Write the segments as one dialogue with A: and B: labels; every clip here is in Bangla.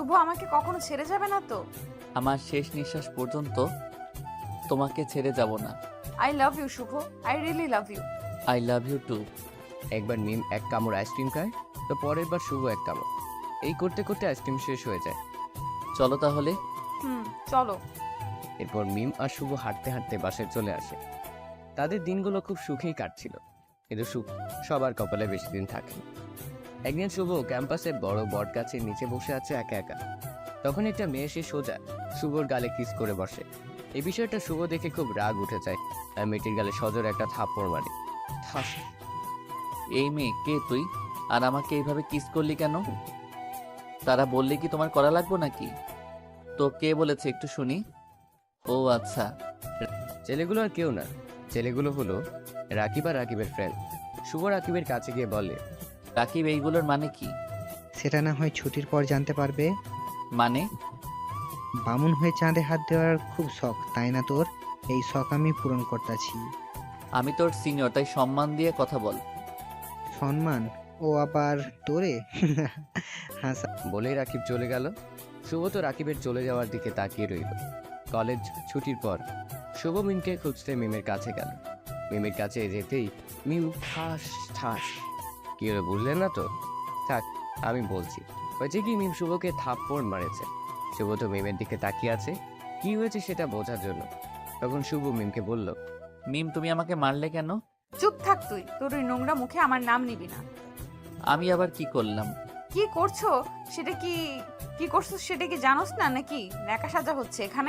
A: শুভ আমাকে কখনো ছেড়ে যাবে না তো?
B: আমার শেষ নিঃশ্বাস পর্যন্ত তোমাকে ছেড়ে যাব না।
A: I love you Shubho, I really love you.
B: I love you too.
C: একবার মিম এক কামড় আইসক্রিম খায়, তো পরের বার শুভ এক কামড়। এই করতে করতে আইসক্রিম শেষ হয়ে যায়।
B: চলো তাহলে।
A: চলো।
C: এরপর মিম আর শুভ হাঁটতে হাঁটতে বাসায় চলে আসে। তাদের দিনগুলো খুব সুখেই কাটছিল, কিন্তু সুখ সবার কপালে বেশি দিন থাকে না। একদিন শুভ ক্যাম্পাসে বড় বট গাছের নিচে বসে আছে একা একা। তখন একটা মেয়ে এসে সোজা শুভর গালে কিস করে বসে। এই বিষয়টা শুভ দেখে খুব রাগ উঠে যায়, আর মেয়েটির গালে সজোরে একটা থাপ্পড় মারে। ঠাস।
B: এই মেয়ে কে তুই? আর আমাকে এইভাবে কিস করলি কেন? তারা বললে কি তোমার করা লাগবো নাকি? তো কে বলেছে একটু শুনি। ও আচ্ছা।
C: ছেলেগুলো আর কেউ না, ছেলেগুলো হলো রাকিব আর রাকিবের ফ্রেন্ড। শুভ রাকিবের কাছে গিয়ে বলে,
B: রাকিব এইগুলোর মানে কি?
D: সেটা না হয় ছুটির পর জানতে পারবে।
B: মানে?
D: বামুন হয়ে চাঁদে হাত দেওয়ার খুব শখ, তাই না তোর? এই শখ আমি পূরণ করতেছি।
B: আমি তোর সিনিয়র, তাই সম্মান দিয়ে কথা বল।
D: সম্মান? ও আবার তোরে? হাসা।
C: বলেই রাকিব চলে গেল। শুভ তো রাকিবের চলে যাওয়ার দিকে তাকিয়ে রইল। কলেজ ছুটির পর শুভ মিমকে খুঁজতে মিমের কাছে গেল। মিমের কাছে যেতেই মিম ঠাস ঠাস। কি হলো বুঝলেন না তো? থাক, আমি বলছি। হয়েছে কি, মিম শুভকে থাপ্পড় মারেছে। শুভ তো মিমের দিকে তাকিয়ে আছে কি হয়েছে সেটা বোঝার জন্য। তখন শুভ মিমকে বলল,
B: মিম তুমি আমাকে মারলে কেন?
A: চুপ থাক তুই, তোর ওই নোংরা মুখে আমার নাম নিবি না।
B: আমি আবার কি করলাম?
A: কি করছো সেটা কি, কি করছো সেটা কি জানোস না নাকি? ন্যাকা সাজা হচ্ছে এখানে।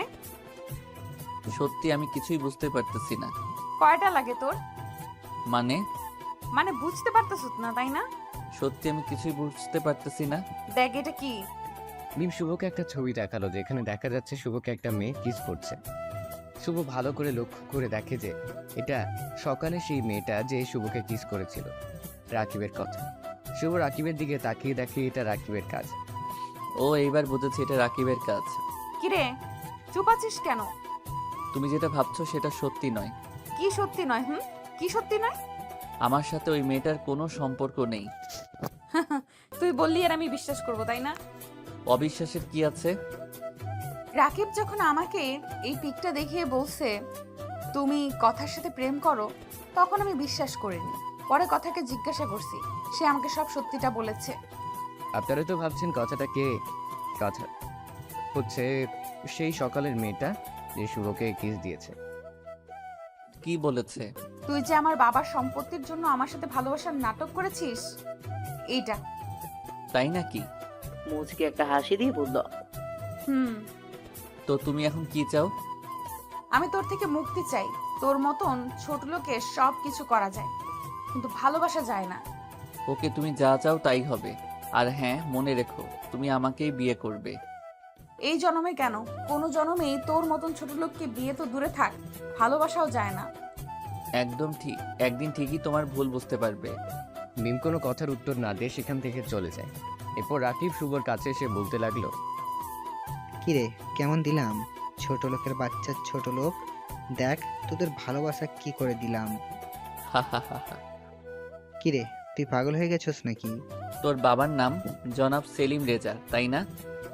B: সত্যি আমি কিছুই বুঝতে পারতেছি না।
A: কয়টা লাগে তোর?
B: মানে?
A: মানে বুঝতে পারতেছ না তাই না?
B: সত্যি আমি কিছুই বুঝতে পারতেছি না।
A: দেখ এটা কি।
C: মিম শুভকে একটা ছবি দেখালো, যেখানে দেখা যাচ্ছে শুভকে একটা মেয়ে কিস করছে। শুভ ভালো করে লক্ষ্য করে দেখে যে এটা সকালে সেই মেয়েটা যে শুভকে কিস করেছিল। রাকিবের কথা। শুভ রাকিবের দিকে তাকিয়ে দেখে এটা রাকিবের কাজ।
B: ও এইবার বুঝেছি, এটা রাকিবের কাজ।
A: কিরে চুপ আছিস কেন?
B: তুমি যেটা ভাবছো সেটা সত্যি নয়।
A: কি সত্যি নয়? কি সত্যি নয়?
B: আমার সাথে ওই মেয়েটার কোনো সম্পর্ক নেই।
A: তুই বললি আর আমি বিশ্বাস করব তাই না?
B: অবিশ্বাসের কি আছে?
A: রাকিব যখন আমাকে এই পিকটা দেখিয়ে বলছে তুমি কথার সাথে প্রেম করো, তখন আমি বিশ্বাস করিনি। পরে কথাকে জিজ্ঞাসা করছি, সে আমাকে সব সত্যিটা বলেছে।
C: আপনারা তো ভাবছেন কথাটা কে? কথা হচ্ছে সেই সকালের মেয়েটা যে শুভকে কিস দিয়েছে।
B: কি বলেছে?
A: তুই যে আমার বাবার সম্পত্তির জন্য আমার সাথে ভালোবাসার নাটক করেছিস, এইটা।
B: তাই নাকি?
E: মুচকে একটা হাসি দিয়ে বলল,
A: হুম।
B: তো তুমি এখন কি চাও?
A: আমি তোর থেকে মুক্তি চাই। তোর মতন ছোট লোকের সব কিছু করা যায়, কিন্তু ভালোবাসা যায় না।
B: ওকে, তুমি যা চাও তাই হবে। আর হ্যাঁ, মনে রেখো তুমি আমাকেই বিয়ে করবে।
A: এই জন্মে কেন, কোনো জন্মেই তোর মতন ছোট লোককে বিয়ে তো দূরে থাক, ভালোবাসাও যায় না।
B: একদম ঠিক, একদিন ঠিকই তোমার ভুল বুঝতে পারবে।
C: মিম কোনো কথার উত্তর না দিয়ে সেখান থেকে চলে যায়। এরপর রাকিব শুভর কাছে এসে বলতে লাগলো,
D: কিরে কেমন দিলাম? ছোট লোকের বাচ্চা ছোট লোক, দেখ তোদের ভালোবাসা কি করে দিলাম।
B: হা হা হা হা।
D: কিরে তুই পাগল হয়ে গেছস নাকি?
B: তোর বাবার নাম জনাব সেলিম রেজা, তাই না?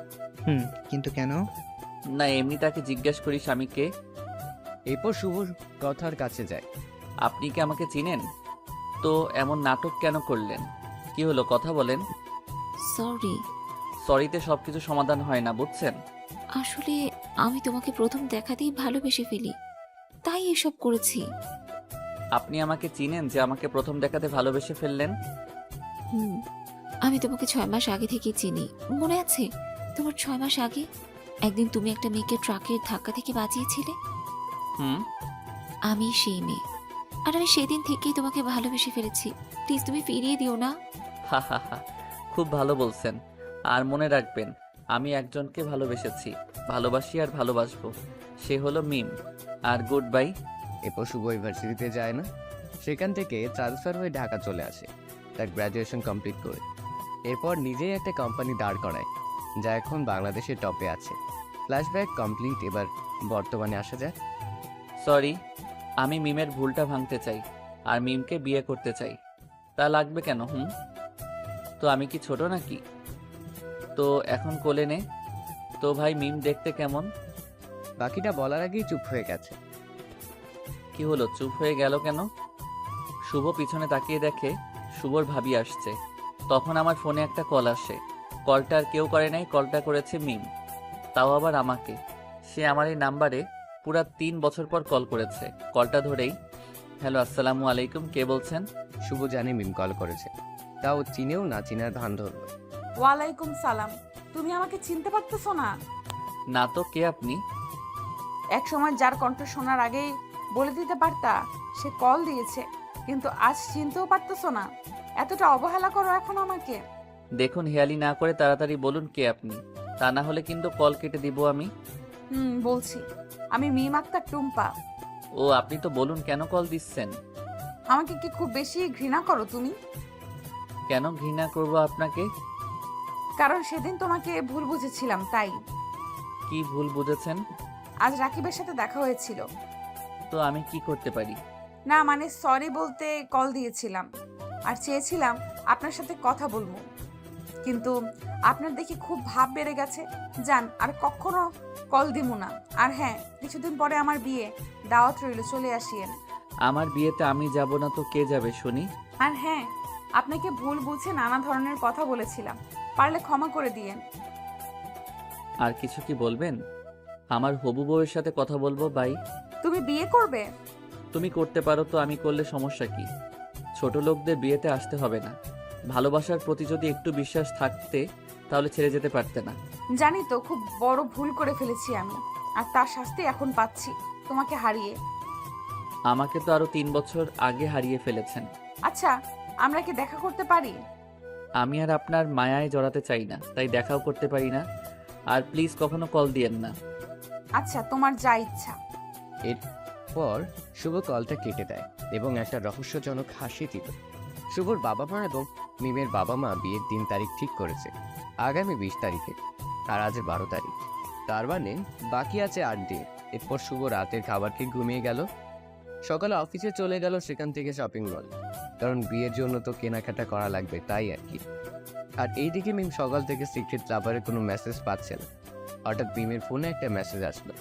D: কিন্তু কেন?
B: না, এমনি তাকে জিজ্ঞেস করি স্বামীকে।
C: এরপর শুভ কথার কাছে যায়।
B: আপনি কি আমাকে চিনেন? তো এমন নাটক কেন করলেন? কি হলো, কথা বলেন।
F: সরি।
B: সরিতে সবকিছু সমাধান হয় না, বুঝছেন?
F: আসলে আমি তোমাকে প্রথম দেখাতেই ভালোবেসে ফেলি, তাই এসব করেছি।
B: আপনি আমাকে চিনেন যে আমাকে প্রথম দেখাতে ভালোবেসে ফেললেন?
F: হুম, আমি তোমাকে 6 মাস আগে থেকে চিনি। মনে আছে তোমার 6 মাস আগে একদিন তুমি একটা মেয়েকে ট্রাকের ধাক্কা থেকে বাঁচিয়েছিলে?
B: হুম।
F: আমি সেই মেয়ে, আর আমি সেদিন থেকেই তোমাকে ভালোবেসে ফেলেছি। প্লিজ তুমি ফিরিয়ে দিও না।
B: হা হা হা, খুব ভালো বলছেন। আর মনে রাখবেন, আমি একজনকে ভালোবেসেছি, ভালোবাসি আর ভালোবাসবো। সে হলো মিম। আর গুড বাই।
C: এরপর শুভ ইউনিভার্সিটিতে যায় না, সেখান থেকে ট্রান্সফার হয়ে ঢাকা চলে আসে তার গ্র্যাজুয়েশন কমপ্লিট করে। এরপর নিজেই একটা কোম্পানি দাঁড় করায়, যা এখন বাংলাদেশের টপে আছে। Flashback complete. এবার বর্তমানে আসা যায়।
B: সরি, আমি মিমের ভুলটা ভাঙতে চাই আর মিমকে বিয়ে করতে চাই। তা লাগবে কেন? তো আমি কি ছোট নাকি? তো এখন কোলে নে। তো ভাই মিম দেখতে কেমন?
C: বাকিটা বলার আগেই চুপ হয়ে গেছে।
B: কি হলো, চুপ হয়ে গেল কেন? শুভ পিছনে তাকিয়ে দেখে শুভর ভাবি আসছে। তখন আমার ফোনে একটা কল আসে। কলটা আর কেউ করে নাই, কলটা করেছে মিম, তাও আবার আমাকে। সে আমার এই নাম্বারে পুরা 3 বছর পর কল করেছে। কলটা ধরেই, হ্যালো আসসালামু আলাইকুম, কে বলছেন?
C: শুভ জানে মিম কল করেছে, তাও চিনেও না চিনার ভান ধরল।
A: ওয়ালাইকুম সালাম। তুমি আমাকে চিনতে পারতেছো না?
B: না তো, কে আপনি?
A: এক সময় যার কণ্ঠ শোনার আগেই বলে দিতে পারতা সে কল দিয়েছে, কিন্তু আজ চিনতেও পারতেছো না। এতটা অবহেলা করো এখন আমাকে।
B: দেখুন, হেয়ালি না করে তাড়াতাড়ি বলুন কে আপনি, তা না হলে কিন্তু কল কেটে দিব আমি।
A: বলছি, আমি মিম আক্তার টুম্পা।
B: ও, আপনি তো বলুন কেন কল দিচ্ছেন?
A: আমাকে কি খুব বেশি ঘৃণা করো তুমি?
B: কেন ঘৃণা করব আপনাকে?
A: কারণ সেদিন তোমাকে ভুল বুঝেছিলাম তাই।
B: কি ভুল বুঝেছেন?
A: আজ রাকিবের সাথে দেখা হয়েছিল।
B: তো আমি কি করতে পারি?
A: না মানে সরি বলতে কল দিয়েছিলাম, আর চেয়েছিলাম আপনার সাথে কথা বলবো, কিন্তু আপনার দেখি খুব ভাব বেড়ে গেছে। যান, আর কখনো কল দিমু না। আর হ্যাঁ, কিছুদিন পরে আমার বিয়ে, দাওয়াত রইল, চলে আসিয়েন।
B: আমার বিয়েতে আমি যাব না তো কে যাবে শুনি?
A: আর হ্যাঁ, আপনাকে ভুল বুঝে নানা ধরনের কথা বলেছিলাম, পারলে ক্ষমা করে দিয়েন।
B: আর কিছু কি বলবেন? আমার হবু বউয়ের সাথে কথা বলবো ভাই।
A: তুমি বিয়ে করবে?
B: তুমি করতে পারো তো আমি করলে সমস্যা কি? ছোট লোকদের বিয়েতে আসতে হবে না। ভালোবাসার প্রতি যদি একটু বিশ্বাস থাকতে তাহলে ছেড়ে যেতে পারতে না।
A: জানি তো খুব বড় ভুল করে ফেলেছি আমি, আর তার শাস্তি এখন পাচ্ছি তোমাকে হারিয়ে।
B: আমাকে তো আরো 3 বছর আগে হারিয়ে ফেলেছেন।
A: আচ্ছা, আমরা কি দেখা করতে পারি?
B: আমি আর আপনার মায়ায় জড়াতে চাই না, তাই দেখাও করতে পারি না। আর প্লিজ কখনো কল দিয়েন না।
A: আচ্ছা, তোমার যা ইচ্ছা।
C: এরপর শুভ কলটা কেটে দেয় এবং একটা রহস্যজনক হাসি দিল। শুভর বাবা মা এবং মিমের বাবা মা বিয়ের দিন তারিখ ঠিক করেছে আগামী 20 তারিখে, আর আজ 12 তারিখ। তার মানে বাকি আছে 8 দিন। এরপর শুভ রাতের খাবার খেয়ে ঘুমিয়ে গেল। সকালে অফিসে চলে গেল, সেখান থেকে শপিং মল, কারণ বিয়ের জন্য তো কেনাকাটা করা লাগবে, তাই আর কি। আর এইদিকে মিম সকাল থেকে সিক্রেট লাভারের কোনো মেসেজ পাচ্ছে না। হঠাৎ মিমের ফোনে একটা মেসেজ আসলো।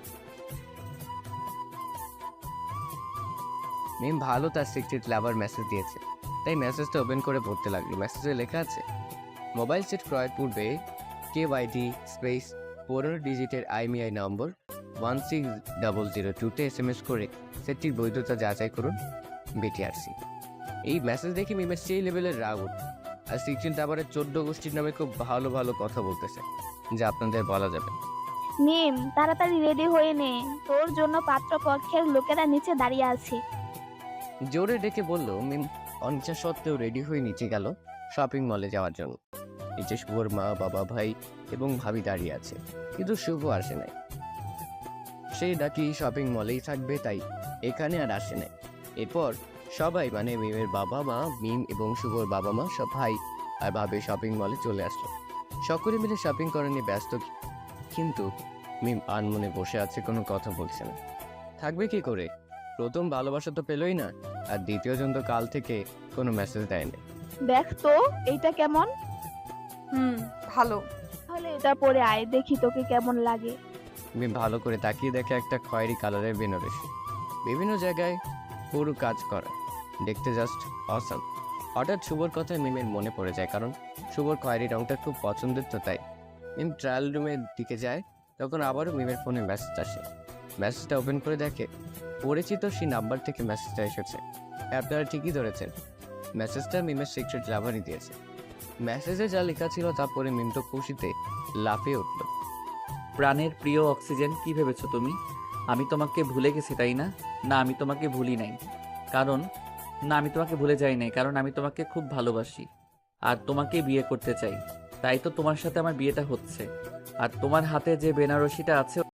C: মিম ভালো তার সিক্রেট লাভার মেসেজ দিয়েছে, তাই মেসেজটা ওপেন করে পড়তে লাগলো। মেসেজে লেখা আছে, মোবাইল সেট ক্রয়ের পূর্বে KYD স্পেস 15 ডিজিটের IMEI নম্বর 16002-তে SMS করে সেটটির বৈধতা যাচাই করুন, BTRC। এই মেসেজ দেখে মিমের সেই লেভেলের রাগ উঠল। আর সিক্রেট লাভারের 14 গোষ্ঠীর নামে খুব ভালো ভালো কথা বলতেছে, যা আপনাদের বলা যাবে।
G: মিম, তাড়াতাড়ি রেডি হয়ে নে, তোর জন্য পাত্রপক্ষের লোকেরা নিচে দাঁড়িয়ে আছে।
C: জোরে ডেকে বলল মিম। অনিচ্ছা সত্ত্বেও রেডি হয়ে নিচে গেল শপিং মলে যাওয়ার জন্য। নিচে শুভর মা, বাবা, ভাই এবং ভাবি দাঁড়িয়ে আছে, কিন্তু শুভ আসে নাই। সে নাকি শপিং মলেই থাকবে, তাই এখানে আর আসে নাই। এরপর সবাই মানে মিমের বাবা মা, মিম এবং শুভর বাবা মা, সব ভাই আর ভাবি শপিং মলে চলে আসলো। সকলে মিলে শপিং করা নিয়ে ব্যস্ত, কিন্তু মিম আনমনে বসে আছে, কোনো কথা বলছে না। থাকবে কি করে? প্রথম ভালোবাসা তো পেলই না, আর দ্বিতীয় জন তো কাল থেকে কোনো মেসেজ দেয়নি।
G: দেখ তো এইটা কেমন,
A: ভালো।
G: তাহলে এটা পরে আয়, দেখি তোকে কেমন লাগে।
C: মিম ভালো করে তাকিয়ে দেখে একটা খয়েরি কালারের বেনারসি, বিভিন্ন জায়গায় পুরো কাজ করা, দেখতে জাস্ট অসাম। হঠাৎ শুভর কথা মিমের মনে পড়ে যায়, কারণ শুভর খয়েরি রংটা খুব পছন্দের, তো তাই মিম ট্রায়াল রুমের দিকে যায়। তখন আবারও মিমের ফোনে মেসেজ আসে। মেসেজটা ওপেন করে দেখে পরিচিত সেই নাম্বার থেকে মেসেজটা এসেছে। আপনারা ঠিকই ধরেছেন, মেসেজটা মিমের সিক্রেট লাভারই দিয়েছে। মেসেজে যা লেখা ছিল তা পরে মিম তো খুশিতে লাফিয়ে উঠল।
B: প্রাণের প্রিয় অক্সিজেন, কি ভেবেছো তুমি আমি তোমাকে ভুলে গেছি তাই না? না, আমি তোমাকে ভুলি নাই, কারণ আমি তোমাকে ভুলে যাই নাই, কারণ আমি তোমাকে খুব ভালোবাসি আর তোমাকে বিয়ে করতে চাই। তাই তো তোমার সাথে আমার বিয়েটা হচ্ছে। আর তোমার হাতে যে বেনারসিটা আছে